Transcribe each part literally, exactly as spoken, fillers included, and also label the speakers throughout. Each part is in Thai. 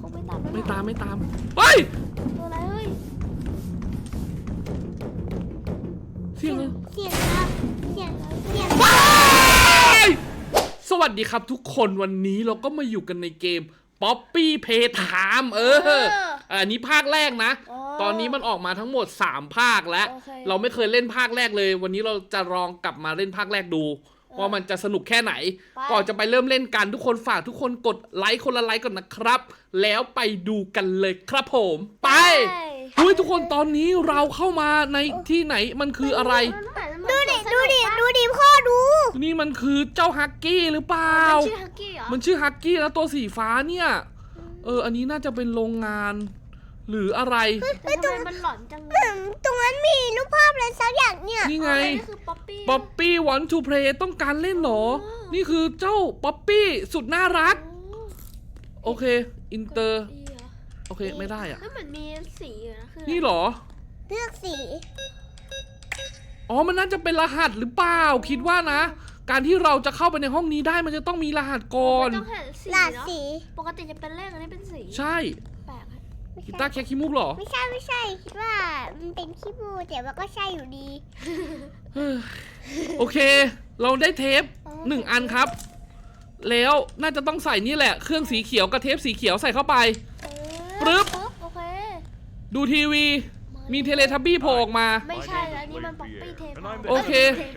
Speaker 1: งไม่ตาม
Speaker 2: ไม่ตามไม่ตามเฮ้ย
Speaker 1: ตัวอะไรเฮ้ย
Speaker 2: เสียง
Speaker 3: เสียงครับเสียงเสียง
Speaker 2: สวัสดีครับทุกคนวันนี้เราก็มาอยู่กันในเกม Poppy Playtime เอออันนี้ภาคแรกนะตอนนี้มันออกมาทั้งหมดสามภาคแล้วเราไม่เคยเล่นภาคแรกเลยวันนี้เราจะลองกลับมาเล่นภาคแรกดูว่ามันจะสนุกแค่ไหนก่อนจะไปเริ่มเล่นกันทุกคนฝากทุกคนกดไลค์คนละไลค์ก่อนนะครับแล้วไปดูกันเลยครับผมไปเฮ้ยทุกคนตอนนี้เราเข้ามาในที่ไหนมันคืออะไร
Speaker 3: ดูดิดูดิดูดิพ่อดู
Speaker 2: นี่มันคือเจ้าฮักกี้หรือเปล่า
Speaker 1: มันชื่อฮักกี้เหรอ
Speaker 2: มันชื่อฮักกี้แล้วตัวสีฟ้าเนี่ยเอออันนี้น่าจะเป็นโรงงานหรืออะไร
Speaker 1: แต่ทำไมมันหลอนจังเลย
Speaker 3: ตรงนั้นมีรูปภาพอะไรสักอย่างเนี่ย
Speaker 2: นี่ไง
Speaker 1: คือป๊อปปี้
Speaker 2: ป๊อปปี้วันทูเพลย์ต้องการเล่นเหรอนี่คือเจ้าป๊อปปี้สุดน่ารักโอเคอินเตอร์โอเคไม่ได้อะ
Speaker 1: แล้วมันมีสีอยู่นะคือ
Speaker 2: นี่เหรอ
Speaker 3: เลือกสี
Speaker 2: อ๋อมันน่าจะเป็นรหัสหรือเปล่าคิดว่านะการที่เราจะเข้าไปในห้องนี้ได้มันจะต้องมีรหัสก่อน
Speaker 1: ต้องหาสี
Speaker 3: หลาดสี
Speaker 1: ปกติจะเป็นเลขอันนี้เป็นสี
Speaker 2: ใช่
Speaker 1: แปลก
Speaker 2: กีตาร์แค่ขี้มูกเหรอ
Speaker 3: ไม่ใช่ไม่ใช่คิดว่ามันเป็นขี้มูกแต่ว่าก็ใช่อยู่ดี
Speaker 2: โอเคเราได้เทปหนึ่งอันครับแล้วน่าจะต้องใส่นี่แหละเครื่องสีเขียวกับเทปสีเขียวใส่เข้าไปปึ๊บ
Speaker 1: โอเค
Speaker 2: ดูทีวีมีเทเลทับบี้โผล่ออกมา
Speaker 1: ไม่ใช่อันนี้มันป๊อปปี้เทป
Speaker 2: โอเค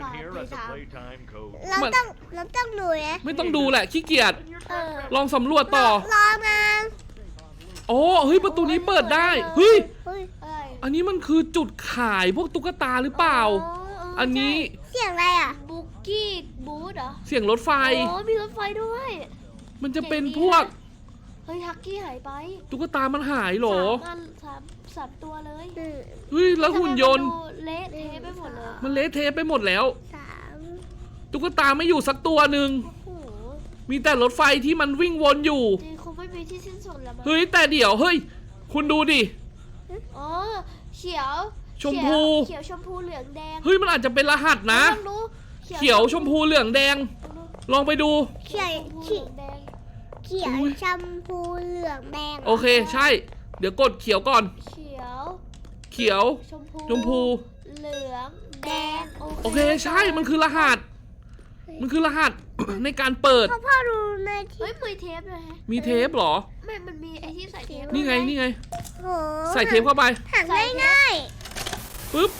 Speaker 3: เราต้องเราต้องดูนะ
Speaker 2: ไม่ต้องดูแหละขี้เกียจลองสำรวจต่อ
Speaker 3: รอมา
Speaker 2: โอ้เฮ้ยประตูนี้เปิดได้เฮ้ยอันนี้มันคือจุดขายพวกตุ๊กตาหรือเปล่าอันนี้
Speaker 3: เสียงอะไรอ่ะ
Speaker 1: บุกกี้บูธเหรอ
Speaker 2: เสียงรถไฟ
Speaker 1: โอ้มีรถไฟด้วย
Speaker 2: มันจะเป็นพวก
Speaker 1: เฮ้ยฮักกี้หายไป
Speaker 2: ตุ๊กตามันหายหรอ
Speaker 1: สามสามสามตัวเลย
Speaker 2: เฮ้ยแล้วหุ่นยนต์
Speaker 1: เละเทะไปหมดเลย
Speaker 2: มันเละเทะไปหมดแล้ว
Speaker 3: สาม
Speaker 2: ตุ๊กตาไม่อยู่สักตัวหนึ่งมีแต่รถไฟที่มันวิ่งวนอยู่
Speaker 1: คงไม่มีที่สิ้นสุดแล้วมั้ง
Speaker 2: เฮ้ยแต่เดี๋ยวเฮ้ยคุณดูดิ
Speaker 1: อ๋อเขียว
Speaker 2: ชมพู
Speaker 1: เขียวชมพูเหลืองแดง
Speaker 2: เฮ้ยมันอาจจะเป็นรหัสนะเขียวชมพูเหลืองแดงลองไปดู
Speaker 3: เขียวเขียวเขียวชมพูเหลืองแดง
Speaker 2: โอเคใช่เดี๋ยวกดเขียวก่อน
Speaker 1: เขียว
Speaker 2: เขียว
Speaker 1: ชมพู
Speaker 2: ชมพู
Speaker 1: เหลืองแดง
Speaker 2: โอเคใช่มันคือรหัสมันคือรหัสในการเปิด
Speaker 3: พ่อดูใน
Speaker 1: ที่เฮ้ยมีเทปเลยฮะ
Speaker 2: มีเทปเหรอ
Speaker 1: ไม่มันมีไอที่ใส่เทป
Speaker 2: นี่ไงนี่ไง
Speaker 3: ใ
Speaker 2: ส่เทปเข้าไป
Speaker 3: หันง่าย
Speaker 2: ๆปึ๊บ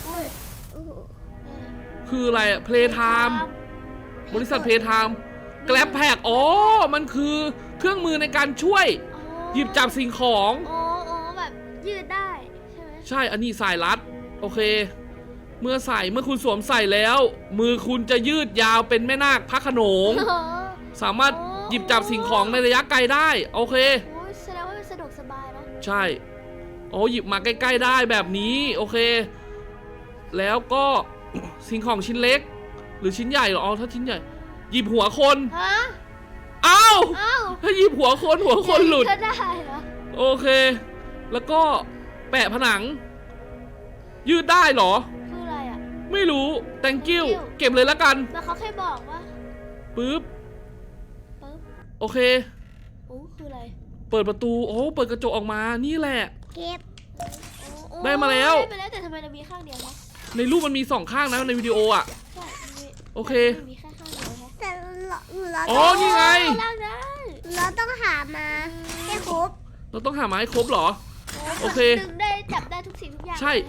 Speaker 2: คืออะไรอะเพลย์ไทม์บริษัทเพลย์ไทม์แกร็บแพกอ๋อมันคือเครื่องมือในการช่วยหยิบจับสิ่งของ
Speaker 1: อ๋ออ๋อแบบยืดได้ใช่ไหม
Speaker 2: ใช่อันนี้สายรัดโอเคเมื่อใส่เมื่อคุณสวมใส่แล้วมือคุณจะยืดยาวเป็นแม่นาคพระโขนงสามารถหยิบจับสิ่งของในระยะไกลได้โอเค
Speaker 1: แสดงว่าสะดวกสบายเนาะ
Speaker 2: ใช่โอ้หยิบมาใกล้ๆได้แบบนี้โอเคแล้วก็สิ่งของชิ้นเล็กหรือชิ้นใหญ่หรออ๋อถ้าชิ้นใหญ่หยิบหัวคน
Speaker 1: ฮะ
Speaker 2: อ้าวถ้าหยิบหัวคนหัวคนหลุด
Speaker 1: ได้เหรอ
Speaker 2: โอเคแล้วก็แปะผนังยืดได้เหรอ
Speaker 1: คืออะไรอ่ะ
Speaker 2: ไม่รู้ thank you เก็บเลยละกัน
Speaker 1: แล้วเขาแค่บอกว่า
Speaker 2: ปึ๊บ
Speaker 1: ปึ๊บ
Speaker 2: โอเค
Speaker 1: โอ้คืออะไร
Speaker 2: เปิดประตูโอ้เปิดกระจกออกมานี่แหละ
Speaker 3: เก็บ
Speaker 2: ได้มาแล้ว
Speaker 1: ได้มาแล้วแต่ทำไมเรามีข้างเดียวนะ
Speaker 2: ในรูปมันมีสองข้างนะในวิดีโออ่ะโอเค
Speaker 1: มีแค่ข้างเดียว
Speaker 3: แต่เรา
Speaker 2: อ๋อนี่ไง
Speaker 3: เราต้องหามาให้ครบ
Speaker 2: เราต้องหามาให้ครบเหรอโอเค
Speaker 1: ดึงได้จับได้ทุกสิ่งทุกอย่าง
Speaker 2: ใช่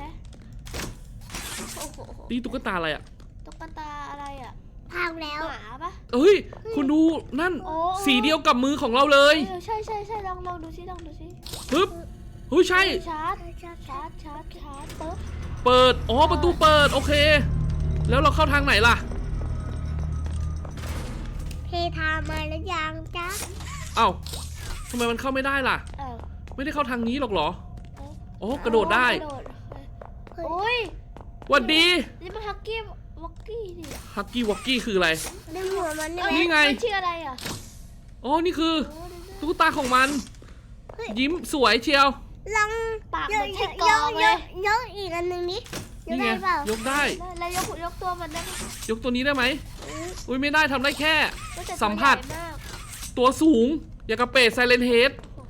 Speaker 2: นี่ตุ๊กตาอะไรอ่ะ
Speaker 1: ตุ๊กตาอะไรอ่ะ
Speaker 3: พังแล้ว
Speaker 1: หมาปะ
Speaker 2: เฮ้ยคุณดูนั่นสีเดียวกับมือของเราเลย
Speaker 1: ใช่ใช่ใช่ลองลองดูซิลองดูซิ
Speaker 2: ปึ๊บเฮ้ยใช่
Speaker 1: ชาร์จชาร์จชาร์จชาร์จชาร์จปึ๊บ
Speaker 2: เปิดอ๋อประตูเปิดโอเคแล้วเราเข้าทางไหนล่ะ
Speaker 3: เพทามาแล้วยังจ๊ะ
Speaker 2: เอ้าทำไมมันเข้าไม่ได้ล่ะไม่ได้เข้าทางนี้หรอกเหรอโอ้กระโดดได้
Speaker 1: โอ้ย
Speaker 2: หวัดดี
Speaker 1: นี่มันฮักกี้วอกกี้ดิ
Speaker 2: ฮักกี้วอกกี้คืออะไรนี่ไง
Speaker 1: ชื่ออะไรอ่ะ
Speaker 2: อ๋อนี่คือตุ๊กตาของมันยิ้มสวยเชียว
Speaker 3: ลอง
Speaker 1: ปากเหมือนใช่กองเลย
Speaker 3: ยกอีกอันหนึ่งนี้
Speaker 2: นี่ไงยกได้
Speaker 1: แล้วยกยกตัวมันได้ไหม
Speaker 2: ยกตัวนี้ได้ไหมอุ้ยไม่ได้ทำได้แค่สัมผัสตัวสูงอย่างกระเปดไซเลนเฮด
Speaker 3: ส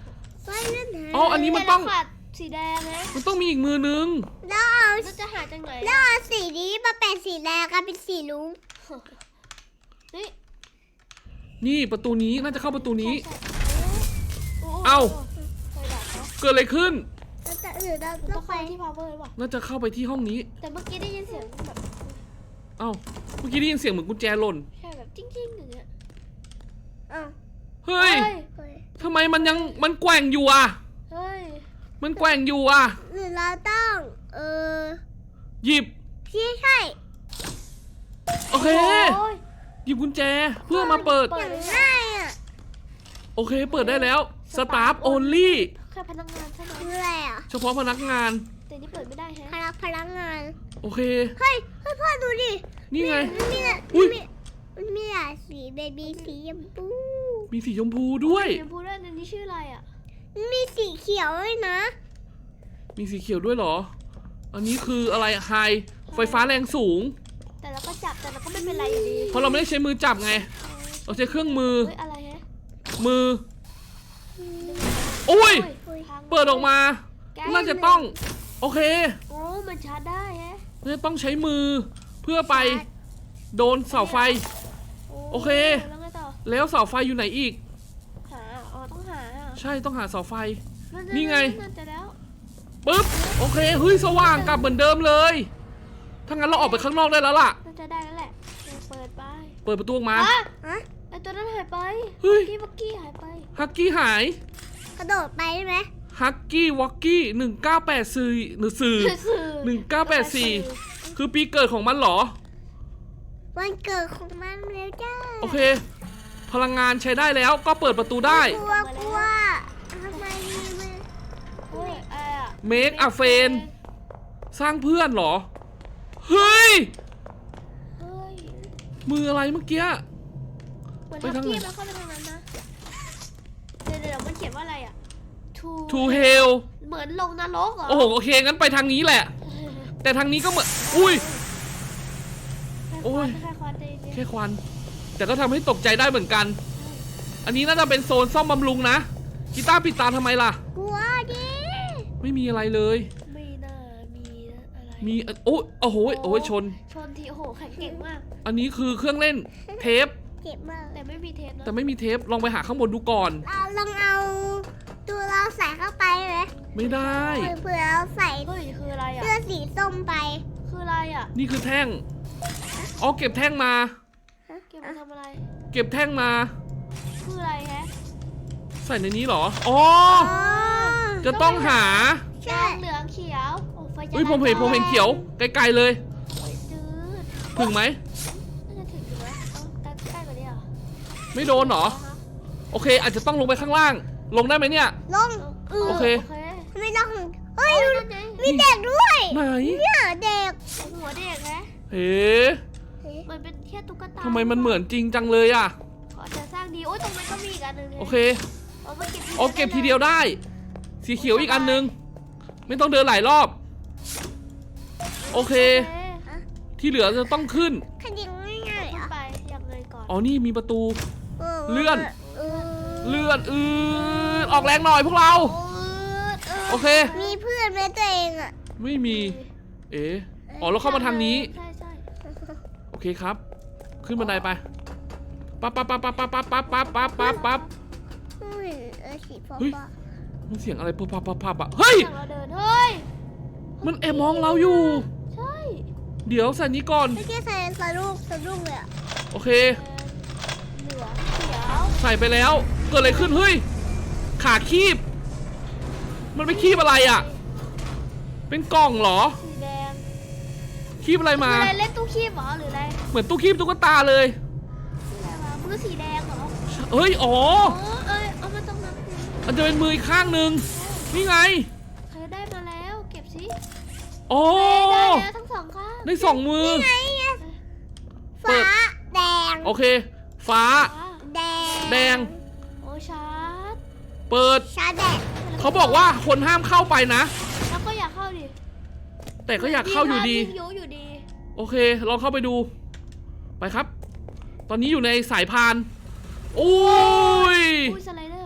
Speaker 3: ไม่เล่นหา
Speaker 2: อ๋ออันนี้มันต้อง
Speaker 1: แต่เราขาดสีแดงนะ
Speaker 2: มันต้องมีอีกมือนึง
Speaker 3: แล้วเอา
Speaker 1: เราจะหาจากไหน
Speaker 3: แล้วเอาสีนี้มาเป็นสีแดงกันเป็นสีลุ้ง
Speaker 1: นี่
Speaker 2: นี่ประตูนี้น่าจะเข้าประตูนี้
Speaker 1: ใช่โโห
Speaker 2: เอ้า
Speaker 1: ไฟดับเนอะ
Speaker 2: เกิดอะไรขึ้น
Speaker 3: แล้วจะอื่นเรา
Speaker 1: ต้
Speaker 3: ต้
Speaker 1: อ
Speaker 3: อง ง
Speaker 1: ไป
Speaker 3: ไป
Speaker 1: ที่พาวเวอร์หรือเปล่า
Speaker 2: น่าจะเข้าไปที่ห้องนี้
Speaker 1: แต่เมื่อกี้ได้ยินเสียงแบบ
Speaker 2: เอ้าเมื่อกี้ได้ยินเสียงเหมือนกุญแจหล่น
Speaker 1: แค่แบบจิ้งๆอย่างเงี้ย
Speaker 3: อ้าว
Speaker 2: เฮ้ย
Speaker 3: เฮ้ย
Speaker 2: ทำไมมันยังมันแกว่งอยู่อ่ะ
Speaker 1: เฮ้ย
Speaker 2: มันแกว่งอยู่อ่ะ
Speaker 3: หรือเราต้องเออ
Speaker 2: หยิบ
Speaker 3: พี่ใช่
Speaker 2: โอเค
Speaker 1: โอ้ย
Speaker 2: หยิบกุญแจเพื่อมาเปิด
Speaker 1: เปิ
Speaker 3: อ
Speaker 1: ด
Speaker 3: ย่างง่ายอ่ะ
Speaker 2: โอเค เปิดได้แล้ว Staff Only
Speaker 1: แค่พนักงานใช่ไหม
Speaker 3: คืออะไรอ่ะ
Speaker 2: เฉพาะพนักงาน
Speaker 1: แต่นี่เปิดไม่ได้แฮะ
Speaker 3: พนักพนักงาน
Speaker 2: โอเค
Speaker 3: เฮ้ยเฮ้ยพ่อดูดิ
Speaker 2: นี่ไง
Speaker 3: มันมีอะ
Speaker 2: อุ๊ย
Speaker 3: มันมีมันมีหลายสีเบบีสีชมพู
Speaker 2: มีสีชมพูด้วย
Speaker 1: เดี๋ยวพูดว่าอันนี้ชื่ออะไรอ่ะ
Speaker 3: มันมีสีเขียวด้วยนะ
Speaker 2: มีสีเขียวด้วยเหรอ อันนี้คืออะไรไฮไฟฟ้าแรงสูง
Speaker 1: แต่เราก็จับแต่เราก็ไม่เป็นไรอยู่ดี
Speaker 2: เพราะเราไม่ได้ใช้มือจับไง เราใช้เครื่องมือ
Speaker 1: เฮ้ยอะไรฮะ
Speaker 2: มือ โอ้ย
Speaker 1: พัง
Speaker 2: เปิดออกมา
Speaker 1: แก้
Speaker 2: น่าจะต้อง โอเค
Speaker 1: โอ้มันชาร์จได้ฮะ
Speaker 2: น่าจะต้องใช้มือ เพื่อไปโดนเสาไฟ โอเค
Speaker 1: แล้วไงต่อ
Speaker 2: แล้วเสาไฟอยู่ไหนอีก
Speaker 1: หาอ๋อต้องหาอ่ะ
Speaker 2: ใช่ต้องหาเสาไฟ
Speaker 1: นั่น
Speaker 2: นี่ไง
Speaker 1: นั่นจะแล้ว
Speaker 2: ปึ๊บ โอเค เฮ้ย สว่างกลับเหมือนเดิมเลย ถ้างั้นเราออกไปข้างนอกได้แล้วล่ะ
Speaker 1: น่าจะได้แล้วแหละเปิดไป
Speaker 2: เปิดประตูออกมา
Speaker 1: อ่ะ
Speaker 3: ฮะ
Speaker 1: ไอตัวนั้นหายไป
Speaker 2: เฮ้ย
Speaker 1: กี้เมื่อกี้หายไป
Speaker 2: ฮักกี้หาย
Speaker 3: กระโดดไปได้ไหม
Speaker 2: ฮักกี้วอกกี้หนึ่งเก้าแปดสี่หรือสื่อ หนึ่งเก้าแปดสี่ คือปีเกิดของมันเหรอ
Speaker 3: วันเกิดของมันแล้วจ้า
Speaker 2: โอเค พลังงานใช้ได้แล้วก็เปิดประตูได้
Speaker 3: กลัวกลัวทำไมมัน
Speaker 1: เฮ้ยอะไรอ่ะ
Speaker 2: Make a friend สร้างเพื่อนเหรอ เฮ้ย
Speaker 1: เฮ้ย
Speaker 2: มืออะไรเมื่อกี้
Speaker 1: เหมือน
Speaker 2: ไป
Speaker 1: ทับ
Speaker 2: ทางไหน
Speaker 1: กี้มันเข้าไปทางนั้นนะเดี๋ยวเดี๋ยวมันเขียนว่าอะไรอ่ะ to
Speaker 2: To hell
Speaker 1: เหมือนลงนรกเหรอ
Speaker 2: โอ้โห โอเค งั้นไปทางนี้แหละ แต่ทางนี้ก็เหมือน อุ้ย โอ้ย
Speaker 1: แค่ควันใจเย็น
Speaker 2: แค่ควัน แต่ก็ทำให้ตกใจได้เหมือนกัน อันนี้น่าจะเป็นโซนซ่อมบำรุงนะ กีตาร์ปิดตาทำไมล่ะ
Speaker 3: กลัวดิ
Speaker 2: ไม่มีอะไรเลย
Speaker 1: ไม่น่ามีนะอะไร
Speaker 2: มีโอ้โอ้โหโอ้ยชน
Speaker 1: ชนทีโอ้โหแข็งเก่งมาก
Speaker 2: อันนี้คือเครื่องเล่นเทป
Speaker 3: เจ็บมาก
Speaker 1: แต่ไม่มีเทปนะ
Speaker 2: แต่ไม่มีเทป ลองไปหาข้างบนดูก่อน
Speaker 3: เราลองเอาตัวเราใส่เข้าไปไหม
Speaker 2: ไม่ได้
Speaker 3: เผื่อเราใส่
Speaker 1: เฮ้ยคืออะไรอ่ะ
Speaker 3: เสื้อสีส้มไป
Speaker 1: คืออะไรอ่ะ
Speaker 2: นี่คือแท่ง อ๋อ เก็บแท่งมา
Speaker 1: เก็บมาทำอะไร
Speaker 2: เก็บแท่งมา
Speaker 1: คืออะไรฮะ
Speaker 2: ใส่ในนี้เหรอ อ๋อ
Speaker 3: อ๋อ
Speaker 2: จะต้องหา
Speaker 3: ใช่
Speaker 1: เหลืองเขียวโอ้ไฟจะ
Speaker 2: เฮ้ย ผมเห็น ผมเห็นเขียว ไกลๆเลย
Speaker 1: โอ้ยจืด
Speaker 2: ถึงไหม
Speaker 1: น่าจะถึงอยู่ไหมต้องใกล้กว่านี้เหรอ
Speaker 2: ไม่โดนเหรอ โอเค อาจจะต้องลงไปข้างล่าง ลงได้ไหมเนี่ย
Speaker 3: ลง
Speaker 2: โอเค
Speaker 1: โอเค
Speaker 3: ไม่ต้องเฮ้ย
Speaker 1: โอ้ยนั่นไง
Speaker 3: มีเด็กด้วย
Speaker 2: ไหน
Speaker 3: เนี่ยเด็ก
Speaker 1: หัวเด็กฮะ
Speaker 2: เฮ้
Speaker 1: มันเป็นแค่ตุ๊กตา
Speaker 2: ทำไมมันเหมือนจริงจังเลยอ่ะ
Speaker 1: ขอจะสร้างดีโอ้ยตรงนั้นก็มีอีกอันหนึง
Speaker 2: โอเค
Speaker 1: เอามาเก็บที
Speaker 2: อ๋อ เก็บทีเดียวได้ สีเขียวอีกอันนึง ไม่ต้องเดินหลายรอบ โอเค ที่เหลือจะต้องขึ้น
Speaker 3: ขยิงง่ายๆ
Speaker 1: ขึ้น
Speaker 3: อ่ะ
Speaker 1: ไปยังไงก่อน
Speaker 2: อ๋อ นี่มีประตู
Speaker 3: เออ
Speaker 2: เลื่อน
Speaker 3: เออ
Speaker 2: เลื่อนอืดออกแรงหน่อยพวกเรา
Speaker 1: โอ้ย
Speaker 2: โอเค
Speaker 3: มีเพื่อนไหมตัวเองอ่ะ
Speaker 2: ไม่มี เอ๋อ๋อเราเข้ามาทางนี้
Speaker 1: ใช่ใช่
Speaker 2: โอเคครับ ขึ้นบันไดไป ปั๊บปั๊บปั๊บปั๊บปั๊บปั๊บปั๊บปั๊บปั๊บปั๊บ
Speaker 3: ไม่เห็นเออสีฟ้า
Speaker 2: เฮ้ย
Speaker 3: ฟ้า
Speaker 2: มันเสียงอะไรปั๊บปั๊บปั๊บปั๊บอะเฮ้ย
Speaker 1: ทางเราเดินเฮ้ย
Speaker 2: มันแอบมองเราอยู่
Speaker 1: ใช่
Speaker 2: เดี๋ยวใส่นี้ก่อน
Speaker 3: ไม่ใช่ใส่สะดุ้งสะดุ้งเลยอ่ะ
Speaker 2: โอเค
Speaker 1: เหลืองเขียว
Speaker 2: ใส่ไปแล้ว เกิดอะไรขึ้น เฮ้ย ขาคีบ มันไปคีบอะไรอะเป็นกล่องเหรอ
Speaker 1: สีแดง
Speaker 2: คีบอะไรมา
Speaker 1: คืออะไรเล่นตู้คีบเหรอหรืออะไร
Speaker 2: เหมือนตู้คีบตุ๊กตาเลย
Speaker 1: คืออะไรวะมือสีแดงเหรอ
Speaker 2: เฮ้ย อ๋อ
Speaker 1: อ๋อเอ้ยเอามาตรงนั้นสิ
Speaker 2: มันจะเป็นมืออีกข้างหนึ่งนี่ไง
Speaker 1: ใครได้มาแล้วเก็บสิ
Speaker 2: โอ้
Speaker 1: ได้แล้วทั้งสองข้าง
Speaker 2: ได้สองมือ
Speaker 3: ไงอะ
Speaker 2: เปิ
Speaker 3: ฟ้า
Speaker 2: ด
Speaker 3: แดง
Speaker 2: โอเค ฟ้า
Speaker 1: ฟ้า
Speaker 3: แดง
Speaker 2: แดง
Speaker 1: โอ้ชาร์จ
Speaker 2: เปิด
Speaker 3: ชาแดง
Speaker 2: เขาบอกว่าคนห้ามเข้าไปนะ
Speaker 1: แล้วก็อยากเข้าดิ
Speaker 2: แต่ก็อยากเข้าอยู่ดี
Speaker 1: งยุอยู่ดี
Speaker 2: โอเค ลองเข้าไปดู ไปครับ ตอนนี้อยู่ในสายพาน โอ้ย
Speaker 1: อุ้ยสไลเดอร์ไหม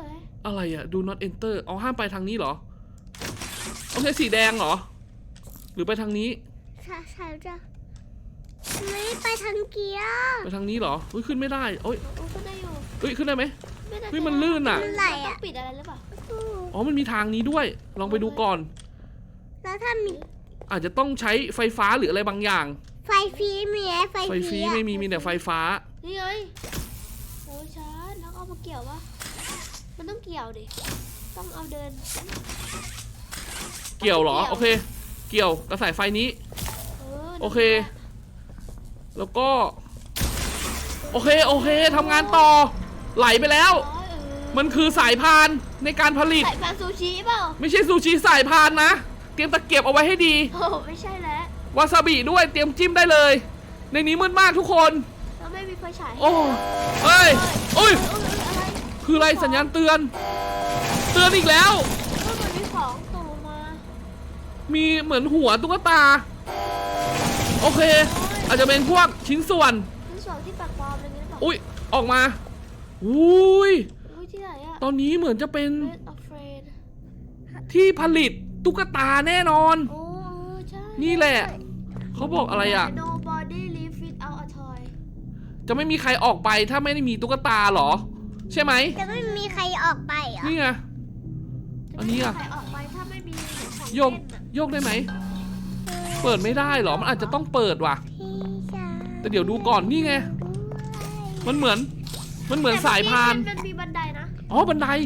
Speaker 2: อะไรอะ do not enter เอาห้ามไปทางนี้เหรอโอเคสีแดงเหรอหรือไปทางนี้
Speaker 3: ใช่ใช่จ้ะไม่ไปทางเกียร์
Speaker 2: ไปทางนี้เหรอเฮ้ยขึ้นไม่ได้โอ้ย
Speaker 1: โอ้ขึ้นได้อยู่
Speaker 2: เฮ้ยขึ้นได้ไหม
Speaker 1: ไม่ได้
Speaker 2: เฮ้ยมันลื่นอะ
Speaker 3: มันไหล
Speaker 1: ต้อ
Speaker 3: อ่ะ
Speaker 1: งปิดอะไรหรือเปล่า
Speaker 2: อ๋อมันมีทางนี้ด้วยลองไปดูก่อน
Speaker 3: แล้วถ้ามี
Speaker 2: อาจจะต้องใช้ไฟฟ้าหรืออะไรบางอย่าง
Speaker 3: ไฟฟรีมีไหมไฟ
Speaker 2: ไฟ
Speaker 3: ฟ
Speaker 2: ฟ
Speaker 3: รี
Speaker 2: รี
Speaker 3: อะ
Speaker 2: ไม่มีมีแต่ไฟฟ้า
Speaker 1: นี่ไงโอ้ชาร์จแล้วเอามาเกี่ยววะมันต้องเกี่ยวดิต้องเอาเดิน
Speaker 2: เกี่ยวเหรอโอเค เกี่ยวกระสายไฟนี้
Speaker 1: เออ
Speaker 2: โอเค แล้วก็ โอเคโอเคทำงานต่อ ไหลไปแล้ว
Speaker 1: อ๋อเออ
Speaker 2: มันคือสายพานในการผลิต
Speaker 1: ใส่พานซูชิเปล่า
Speaker 2: ไม่ใช่ซูชิสายพานนะ เตรียมตะเกียบเอาไว้ให้ดี
Speaker 1: โอ้ไม่ใช่แล้ว
Speaker 2: วาซาบิด้วยเตรียมจิ้มได้เลย ในนี้มืดมากทุกคน
Speaker 1: เราไม่มีไฟฉายให้
Speaker 2: โอ้เฮ้ยโอ้ย
Speaker 1: เอออะไร
Speaker 2: คืออะไรสัญญาณเตือน เตือนอีกแล้ว
Speaker 1: เออมันมีของตกลงมา
Speaker 2: มีเหมือนหัวตุ๊กตา โอเค อาจจะเป็นพวกชิ้นส่วน
Speaker 1: คือส่วนที่ปักปลอมอะไรเงี้ยหรือเปล่า
Speaker 2: อุ้ยออกมาอุ้ย
Speaker 1: อุ้ยที่ไหนอะ
Speaker 2: ตอนนี้เหมือนจะเป็น
Speaker 1: Red of Rain
Speaker 2: ที่ผลิตตุ๊กตาแน่นอน
Speaker 1: โอ้เออใช่
Speaker 2: นี่แหละ เขาบอกอะไรอ่ะ
Speaker 1: Nobody live without a toy
Speaker 2: จะไม่มีใครออกไปถ้าไม่ได้มีตุ๊กตาเหรอ ใช่ไหม
Speaker 3: จะไม่มีใครออกไปเหรอ
Speaker 2: นี่ไง อันนี้อะ
Speaker 1: จไม่มีใครออกไปถ้าไม่มีของ
Speaker 2: โยก
Speaker 1: เล่นอะ
Speaker 2: โยกได้ไหม เปิดไม่ได้เหรอ มันอาจจะต้องเปิดว่ะ
Speaker 3: พี่ชาย
Speaker 2: แต่เดี๋ยวดูก่อนนี่ไง มันเหมือน มันเหมือนสายพาน
Speaker 1: แต่เมื่อกี้มันมีบันไดนะ
Speaker 2: อ๋อ บันได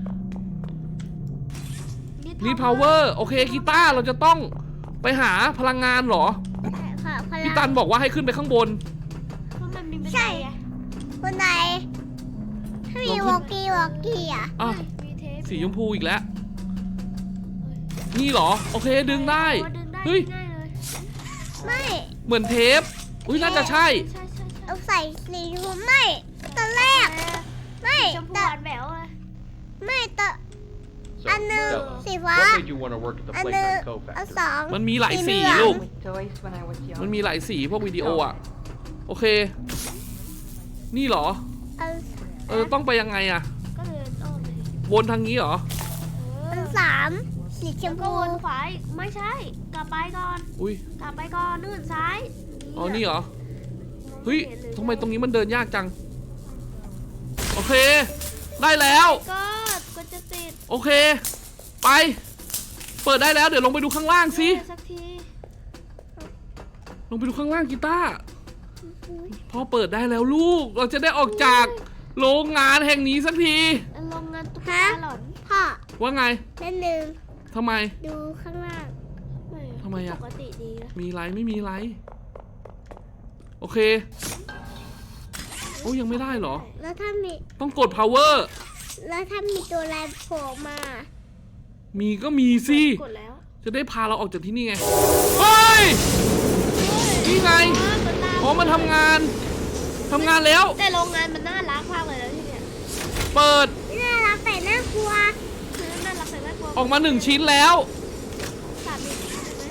Speaker 2: รีพาวเวอร์ โอเคกีตาร์เราจะต้องไปหาพลังงานเหรอ
Speaker 3: ขอพลัง
Speaker 2: พี่ตันบอกว่าให้ขึ้นไปข้างบน
Speaker 1: เพราะมันมีบัน
Speaker 3: ใช่
Speaker 1: ไดอะ
Speaker 3: คนไหนถ้ามีวอกกี้วอกกี้อ่ะ
Speaker 2: อ่ะ
Speaker 1: มีเทป
Speaker 2: สีชมพูอีกแล้ว นี่เหรอ โอเคดึงได้
Speaker 1: โอ้ดึงได้
Speaker 2: เฮ้ย
Speaker 1: ง่ายเลย
Speaker 3: ไม่
Speaker 2: เหมือนเทป อุ้ยน่าจะใช่
Speaker 1: ใช่ใช่ใช่
Speaker 3: เอาใส่สีชมพูไม่ตอนแรกไม่
Speaker 1: ชมพูห
Speaker 3: แต่
Speaker 1: วานแหววเลย
Speaker 3: ไม่แต่
Speaker 4: So,
Speaker 3: อันหนึ่ง
Speaker 4: tell us,
Speaker 3: สีฟ้า
Speaker 4: what made you want to work at the
Speaker 3: อันหนึ่ง
Speaker 4: Playground Co
Speaker 3: อัน
Speaker 4: factory?
Speaker 3: สอง
Speaker 2: มันมีหลายสี
Speaker 3: เหอง
Speaker 2: ลูก
Speaker 5: with toys when I was young.
Speaker 2: มันมีหลายสีพวกวิดีโออ่ะ โอเค นี่เหรอ
Speaker 3: อัน
Speaker 2: เออ ต้องไปยังไงอ่ะ
Speaker 1: ก็เดินอ้อมเลย
Speaker 2: วนทางนี้เหรอ
Speaker 1: เอ
Speaker 3: อัน
Speaker 1: อ
Speaker 3: สามสีช
Speaker 1: แล้ว
Speaker 3: ม
Speaker 1: ก็
Speaker 3: พู
Speaker 1: วนขวาอีกไม่ใช่ กลับไปก่อน
Speaker 2: อุ้ย
Speaker 1: กลับไปก่อนนู่นซ้าย
Speaker 2: อ๋อ นี่เหรอ
Speaker 1: มอง
Speaker 2: เฮ้ย
Speaker 1: ไห็นล
Speaker 2: ทำไมตรงนี้มันเดินยากจัง โอเค ได้แล้ว
Speaker 1: ก็ก็จะติด
Speaker 2: โอเค ไป เปิดได้แล้ว เดี๋ยวลงไปดูข้างล่างสิ
Speaker 1: เออสักที
Speaker 2: ลงไปดูข้างล่างกีตาร์พอเปิดได้แล้วลูก เราจะได้ออกจากโรงงานแห่งนี้สักที
Speaker 1: โรงงานตุ๊กตาหลอน
Speaker 3: พ่อ
Speaker 2: ว่าไง
Speaker 3: เล่นหนึ่ง
Speaker 2: ทำไม
Speaker 3: ดูข้างล่าง
Speaker 2: ทำไมอะ
Speaker 1: ปกติดีนะ
Speaker 2: มีไรไม่มีไร โอเค โอ้ยังไม่ได้เหรอ
Speaker 3: แล้วถ้ามี
Speaker 2: ต้องกด power
Speaker 3: แล้วถ้ามีตัวอะไรโผล่มา
Speaker 2: มีก็มีสิ
Speaker 1: กดแล้ว
Speaker 2: จะได้พาเราออกจากที่นี่ไง เฮ้ย นี่ไง อ๋อ มันทำงาน ทำงานแล้ว
Speaker 1: แต่โรงงานมันน่ารักมากเลยนะที่เนี่ย
Speaker 2: เปิด
Speaker 3: น่ารักแต่น่ากลัว
Speaker 1: คือน่ารักแต่น่ากลัว
Speaker 2: ออกมาหนึ่งชิ้นแล้ว
Speaker 1: สามอีกใช่ไหม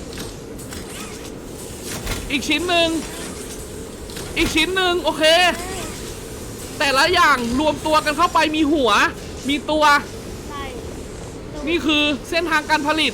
Speaker 2: อีกชิ้นหนึ่ง อีกชิ้นหนึ่งโอเค แต่ละอย่างรวมตัวกันเข้าไปมีหัว มีตัว
Speaker 1: ใช่
Speaker 2: นี่คือเส้นทางการผลิต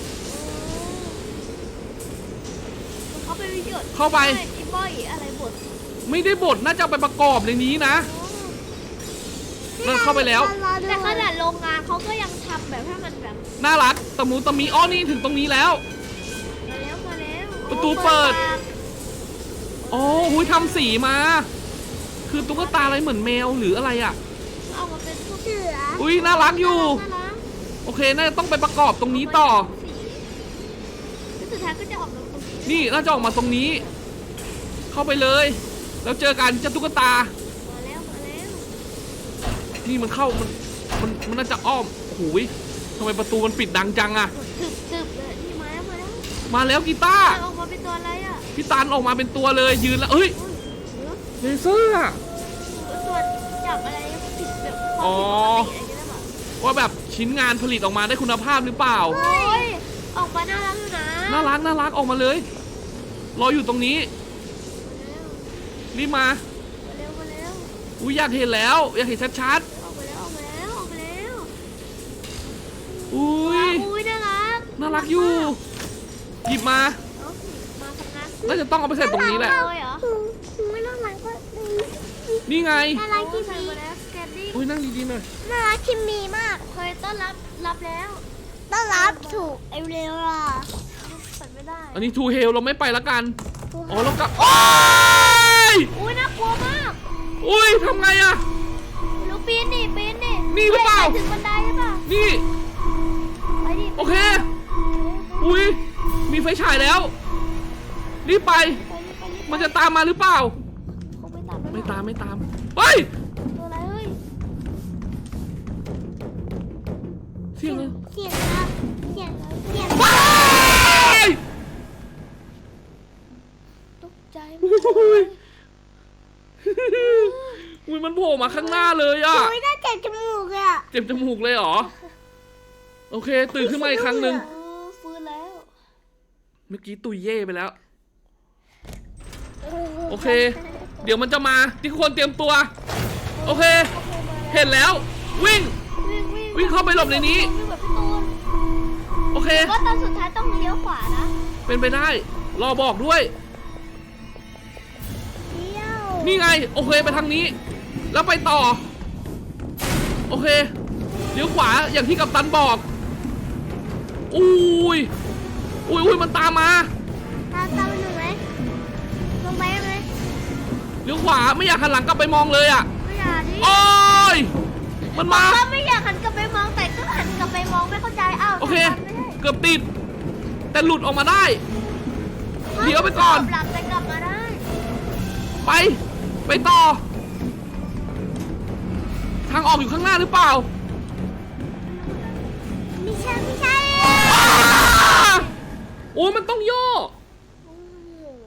Speaker 1: เขาไปวิดีโอ
Speaker 2: เข้าไป
Speaker 1: อีบอยอะไรบท
Speaker 2: ไม่ได้บดน่าจะเอาไปประกอบในนี้นะ มันเข้าไปแล้ว
Speaker 3: รอดู
Speaker 1: แต่ขนาดโรงงานเขาก็ยังทำแบบให้มันแบบ
Speaker 2: น่ารักตะหมูตะมีอ้อนี่ถึงตรงนี้แล้ว
Speaker 1: มาแล้วมาแล้ว
Speaker 2: ประตูเปิด
Speaker 1: ปาก
Speaker 2: อ๋อหุยทำสีมา คือตุ๊กตาอะไรเหมือนแมวหรืออะไรอ่ะ
Speaker 1: เอามาเป็นพวก
Speaker 3: เสือ
Speaker 2: อุ้ยน่ารักอยู่
Speaker 1: น่ารัก
Speaker 2: โอเค น่าจะต้องไปประกอบตรงนี้ต่อ
Speaker 1: สีแล้วสุดท้ายก็จะออกมาตรงนี้
Speaker 2: นี่น่าจะออกมาตรงนี้ เข้าไปเลย แล้วเจอกันเจ้าตุ๊กตา
Speaker 1: มาแล้วมาแล้ว
Speaker 2: นี่มันเข้า มัน มัน มันน่าจะอ้อมโอ้ยทำไมประตูมันปิดดังจังอะ
Speaker 1: ถึบถึบเลยนี่มาแล้วมาแล้ว
Speaker 2: มาแล้วกีตาร์
Speaker 1: มันออกมาเป็นตัวอะไรอ่ะ
Speaker 2: พี่ตันออกมาเป็นตัวเลยยืนแล้วเอ้ย
Speaker 1: อุ้ยเออ
Speaker 2: เลเซอร์อะ
Speaker 1: ส่วนจับอะไรผิดแบบ
Speaker 2: อ๋อ
Speaker 1: ความผิดปกติอะไรอย่างเงี้ยหรอ
Speaker 2: ว่าแบบชิ้นงานผลิตออกมาได้คุณภาพหรือเปล่า
Speaker 1: โอ้ยออกมาน่ารักอยู่นะ
Speaker 2: น่ารักน่ารักออกมาเลย รออยู่ตรงนี้ รีบมา
Speaker 1: มาเร็วมาเร็ว
Speaker 2: อุ้ยอยากเห็นแล้ว อยากเห็นชัด
Speaker 1: ออกมาแล้วออกมาแล้วออกมาแล้ว
Speaker 2: ๆน่ารักอยู่หยิบมา
Speaker 1: เอ้ามาทำงาน
Speaker 2: น่าจะต้องเอาไปใส่ตรงนี้แหละ
Speaker 1: เลยเหรอ
Speaker 3: ไม่น่ารักก็
Speaker 2: นี่ไง
Speaker 3: น่ารักที่
Speaker 1: ใส่
Speaker 3: มี
Speaker 1: มาแล้วสแกนดิ้ง
Speaker 2: อุ้ยนั่งดีๆหน่อย
Speaker 3: น่ารักที่มีมาก
Speaker 1: เคยต้อนรับรับแล้ว
Speaker 3: ต้อนรับถูกไอเรลล่ะ
Speaker 1: ใส่ไม่ได้
Speaker 2: อันนี้ทูเฮลเราไม่ไปละกันอ๋อเรากลับโอ้ย
Speaker 1: อุ้ยน่ากลัวมาก
Speaker 2: อุ้ยทำไงอะ
Speaker 1: ลูกปีนดิปีนดิ
Speaker 2: นี่หรือเปล่า
Speaker 1: ไปถึงบันไดใช่ป่ะ
Speaker 2: นี่
Speaker 1: ไปดิ
Speaker 2: โอเคอุ้ยมีไฟฉายแล้วรีบไป
Speaker 1: ไปดิไปดิ
Speaker 2: มันจะตามมาหรือเปล่า
Speaker 1: คงไม่ตามแล้ว
Speaker 2: ไม่ตามไม่ตามเฮ้ย
Speaker 1: ตัวอะไรเฮ้ย
Speaker 2: เสียงอะไร
Speaker 3: เสียงครับเสียงเสียง
Speaker 2: ว้าย
Speaker 1: ตกใจหม
Speaker 2: อุ้
Speaker 1: ดเลย
Speaker 2: ยอุ้ยมันโผล่มาข้างหน้าเลยอะ
Speaker 3: โอ้ยน่าเจ็บจมูกเลยอ่ะ
Speaker 2: เจ็บจมูกเลยเหรอโอเค ตื่นขึ้นมาอีกครั้งหนึ่ง
Speaker 1: เออฟื้นแล้ว
Speaker 2: เมื่อกี้ตุยเย่ไปแล้ว โอเค เดี๋ยวมันจะมาที่คนเตรียมตัว โอเค เห็นแล้ว วิ่ง
Speaker 1: วิ่งวิ่ง
Speaker 2: วิ่งเข้าไปหลบในนี้
Speaker 1: วิ่งแบบพี่ตูน
Speaker 2: โอเค
Speaker 1: ว่าตอนสุดท้ายต้องเลี้ยวขวานะ
Speaker 2: เป็นไปได้ รอบอกด้วย
Speaker 3: เที่ยว
Speaker 2: นี่ไง โอเคไปทางนี้ แล้วไปต่อ โอเคเลี้ยวขวาอย่างที่กัปตันบอกอุ้ยอุ้ยอุ้ยมันตามมา
Speaker 3: ตามตามหนูไหมลงไปไหม
Speaker 2: เลี้ยวขวาไม่อยากหันหลังกลับไปมองเลยอ่ะ
Speaker 1: ไม่อยากดิ
Speaker 2: โอ้ยมันมา
Speaker 1: ก็ไม่อยากหันกลับไปมองแต่ก็หันกลับไปมองไม่เข้าใจอ้าว
Speaker 2: โอเค
Speaker 1: ทำไมไม่ได้
Speaker 2: เกือบติด แต่หลุดออกมาได้เดี๋ยวไปก่อน
Speaker 1: หลับแต่กลับมาได้
Speaker 2: ไป ไปต่อ ทางออกอยู่ข้างหน้าหรือเปล่า
Speaker 3: ไม่ใช่ไม่ใช่
Speaker 2: อ้าโอ้ยมันต้องย่อ
Speaker 1: โอ้โห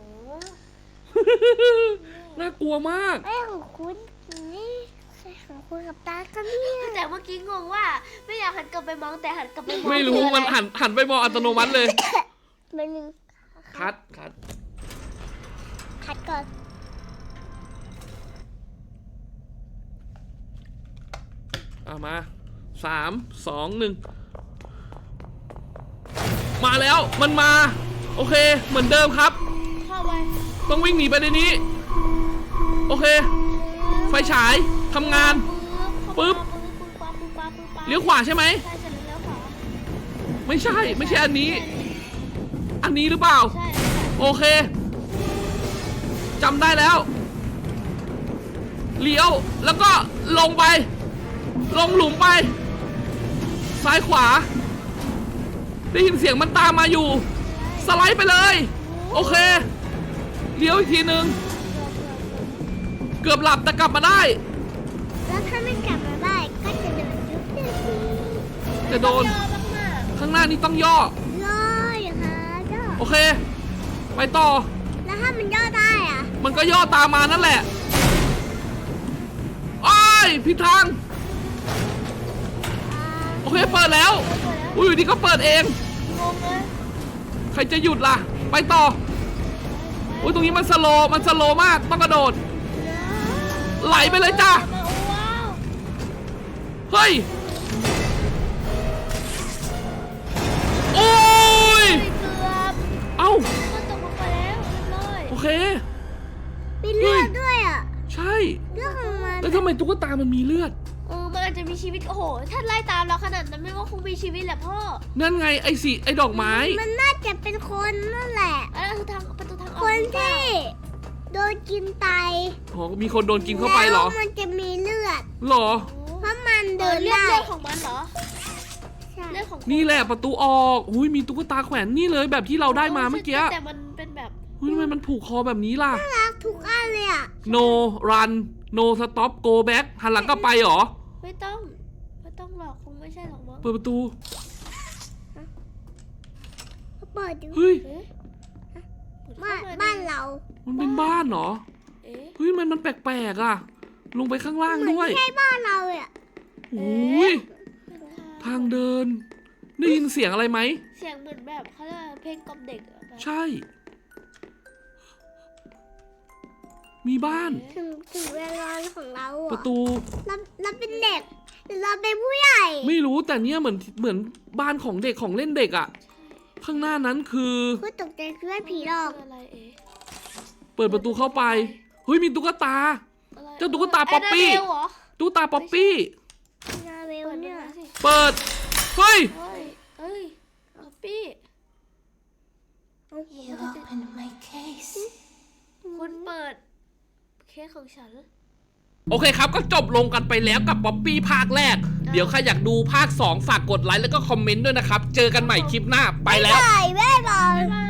Speaker 2: น่ากลัวมาก
Speaker 3: ไอ้ของคุณนี่ใช่ของคุณกับตาก็เนี่ย
Speaker 1: แต่เมื่อกี้งงว่าไม่อยากหันกลับไปมองแต่หันกลับไปมอง
Speaker 2: ไม่รู้
Speaker 1: คืออะ
Speaker 2: มันหันหันไปมองอัตโนมัติเลย
Speaker 3: มันหนึ่ง
Speaker 2: คัดคัด
Speaker 3: คัดก่อน
Speaker 2: เอามาสามสองหนึ่งมาแล้วมันมา โอเค เหมือนเดิมครับ
Speaker 1: เข้าไป
Speaker 2: ต้องวิ่งหนีไปในนี้ โอเค ไฟฉายทำงาน ปึ๊บ
Speaker 1: ปึ๊บปั๊บปึ๊บปั๊บปึ๊บปั๊บ
Speaker 2: เลี้ยวขวาใช่ไหม
Speaker 1: ใช่จะเลี้ยวขวา
Speaker 2: ไม่ใช่ ไม่ใช่อันนี้ อันนี้หรือเปล่า
Speaker 1: ใช่
Speaker 2: โอเคจำได้แล้ว เลี้ยวแล้วก็ลงไป ลงหลุมไป ซ้ายขวา ได้ยินเสียงมันตามมาอยู่ สไลด์ไปเลย โอเค เลี้ยวอีกทีนึง เกือบหลับแต่กลับมาได้
Speaker 3: แล้วถ้าไม่กลับมาได้ก็จะโดนยุบเลยสิ
Speaker 2: จะโดน
Speaker 1: ย่อมาก
Speaker 2: ข้างหน้านี้ต้องย่อ
Speaker 3: ย่ออย่างฮะย่อ
Speaker 2: โอเค ไปต่อ
Speaker 3: แล้วถ้ามันย่อได้อ่ะ
Speaker 2: มันก็ย่อตามมานั่นแหละโอ้ยผิดทาง
Speaker 3: อ่า
Speaker 2: โอเค เปิดแล้ว
Speaker 1: ๆ
Speaker 2: อุ้ยอยู่ดีก็เปิดเอง
Speaker 1: งงเลย
Speaker 2: ใครจะหยุดล่ะ ไปต่อ อุ้ยตรงนี้มันสโลว์มันสโลว์มาก ต้องกระโดด ไหลไปเลยจ้า
Speaker 1: มาโอ้ว้าว
Speaker 2: เฮ้ย โอ้ย
Speaker 1: เกือบ
Speaker 2: เอ้า
Speaker 1: มันตกลงไปแล้วเรียบร้อย
Speaker 2: โอเค
Speaker 3: มีเลือดด้วยอ่ะ
Speaker 2: ใช่
Speaker 3: เลือดของมัน
Speaker 2: แล้วทำไมตุ๊กตามันมีเลือด
Speaker 1: เออมันอาจจะมีชีวิตโอ้โหถ้าไล่ตามเราขนาดนั้นไม่ว่าคงมีชีวิตแหละพ่อ
Speaker 2: นั่นไงไอ้สีไอ้ดอกไม้
Speaker 3: มันน่าจะเป็นคนนั่นแหละ
Speaker 1: อันนั้นคือทางประตูทางออก
Speaker 3: คนที่โดนกินไต
Speaker 2: อ๋อ มีคนโดนกินเข้าไปเหรอ
Speaker 3: แล้วมันจะมีเลือด
Speaker 2: เหรอ
Speaker 3: เพราะมัน
Speaker 1: เอ
Speaker 3: เดิ
Speaker 1: อน เลือด
Speaker 3: ได้
Speaker 1: เลือดของมันเหรอ
Speaker 3: ใช่
Speaker 1: เลือดของ
Speaker 2: นี่แหละประตูออกอุ้ยมีตุ๊กตาแขวนนี่เลยแบบที่เราได้มาเมื่อกี้
Speaker 1: แต่มันเป็นแบบ
Speaker 2: เฮ้ยทำไมมันผูกคอแบบนี้ล่ะ
Speaker 3: น่ารักทุกอันเลยอ่ะ
Speaker 2: no run no stop go back หันหลังกลับไปเหรอ
Speaker 1: ไม่ต้องไม่ต้องหรอกคงไม่ใช่หรอกมั้ง
Speaker 2: เปิดประตู
Speaker 3: เปิดดู
Speaker 2: เฮ้ย
Speaker 1: เอ๊ะ
Speaker 3: บ้านบ้านเรา
Speaker 2: มันเป็นบ้านเหรอ
Speaker 1: เอ๊ะ
Speaker 2: เฮ้ย มันมันแปลกๆอ่ะ ลงไปข้างล่าง
Speaker 3: เหมือน
Speaker 2: ด้วย
Speaker 3: ไม่ใช่บ้านเราเลยอ่ะ
Speaker 2: โอ้ย ทางเดิน ได้ยินเสียงอะไรไหม
Speaker 1: เสียงเหมือนแบบเขาเรียกว่าเพลงกล่อมเด็กอะแบบ
Speaker 2: ใช่ มีบ้าน
Speaker 3: ถึงถึงเวลาของเรา
Speaker 2: ป
Speaker 3: อ่ะ
Speaker 2: ระตู
Speaker 3: เราเราเป็นเด็กหรือเราเป็นผู้ใหญ่
Speaker 2: ไม่รู้แต่เนี้ยเหมือนเหมือนบ้านของเด็กของเล่นเด็กอ่ะข้างหน้านั้นคือ
Speaker 3: คือตกใจคือว่าผีหลอก
Speaker 1: คืออะไรเอ๋
Speaker 2: เปิดประตูเข้าไปเฮ้ยมีตุ๊กตา
Speaker 1: อะไร
Speaker 2: เจ้าตุ๊กตาป๊อปปี้
Speaker 1: ไนาเบลเหรอ
Speaker 2: ตุ๊กตาป๊อปปี้
Speaker 3: นาเวล
Speaker 1: เปิด
Speaker 3: เนี่ย
Speaker 1: มาสิ
Speaker 2: เปิดเฮ้ย
Speaker 1: เฮ้ยเฮ้ยป๊อปปี้
Speaker 4: You opened my case.
Speaker 1: คุณเปิดเคสของฉัน
Speaker 2: โอเคครับก็จบลงกันไปแล้วกับป๊อปปี้ภาคแรก เดี๋ยวใครอยากดูภาคสองฝากกดไลค์แล้วก็คอมเมนต์ด้วยนะครับ เจอกันใหม่คลิปหน้าไปแล้ว
Speaker 3: บายบายบาย